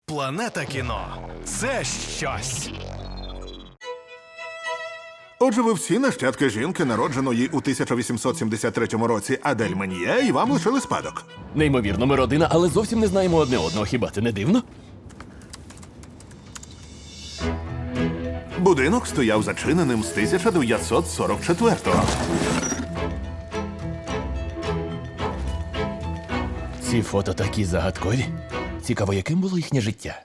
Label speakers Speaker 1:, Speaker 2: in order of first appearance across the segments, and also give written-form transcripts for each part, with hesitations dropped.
Speaker 1: Планета кіно – це щось.
Speaker 2: Отже, ви всі нащадки жінки, народженої у 1873 році Адель Мен'є, і вам лишили спадок.
Speaker 3: Неймовірно, ми родина, але зовсім не знаємо одне одного. Хіба це не дивно?
Speaker 2: Будинок стояв зачиненим з 1944-го.
Speaker 3: Ці фото такі загадкові. Цікаво, яким було їхнє життя?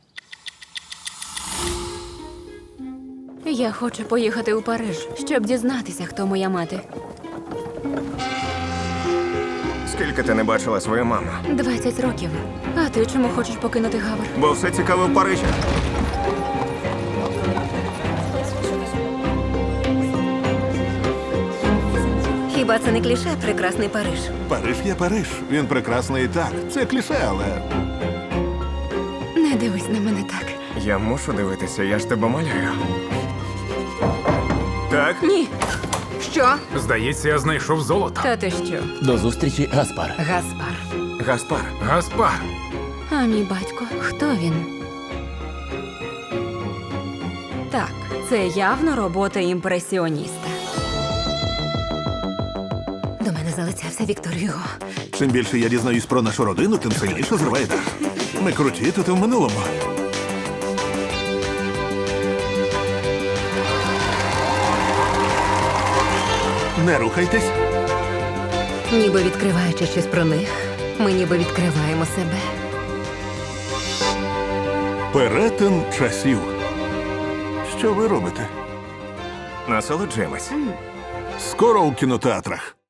Speaker 4: Я хочу поїхати у Париж, щоб дізнатися, хто моя мати.
Speaker 5: Скільки ти не бачила свою маму?
Speaker 4: 20 років. А ти чому хочеш покинути Гавр?
Speaker 5: Бо все цікаве в Парижі.
Speaker 4: Хіба це не кліше прекрасний Париж?
Speaker 2: Париж є Париж. Він прекрасний і так. Це кліше, але
Speaker 4: Не дивись на мене так.
Speaker 5: Я мушу дивитися, я ж тебе малюю. Так?
Speaker 4: Ні. Що?
Speaker 6: Здається, я знайшов золото.
Speaker 4: Та ти що?
Speaker 3: До зустрічі, Гаспар.
Speaker 4: Гаспар.
Speaker 5: Гаспар.
Speaker 6: Гаспар.
Speaker 4: А мій батько, хто він? Так, це явно робота імпресіоніста. До мене залицявся Віктор Юго.
Speaker 2: чим більше я дізнаюсь про нашу родину, тим сильніше зриває дах. Ми круті тут і в минулому. Не рухайтесь.
Speaker 4: Ніби відкриваючи щось про них, ми ніби відкриваємо себе.
Speaker 2: Перетин часів. Що ви робите?
Speaker 5: Насолоджуємось.
Speaker 2: Скоро у кінотеатрах.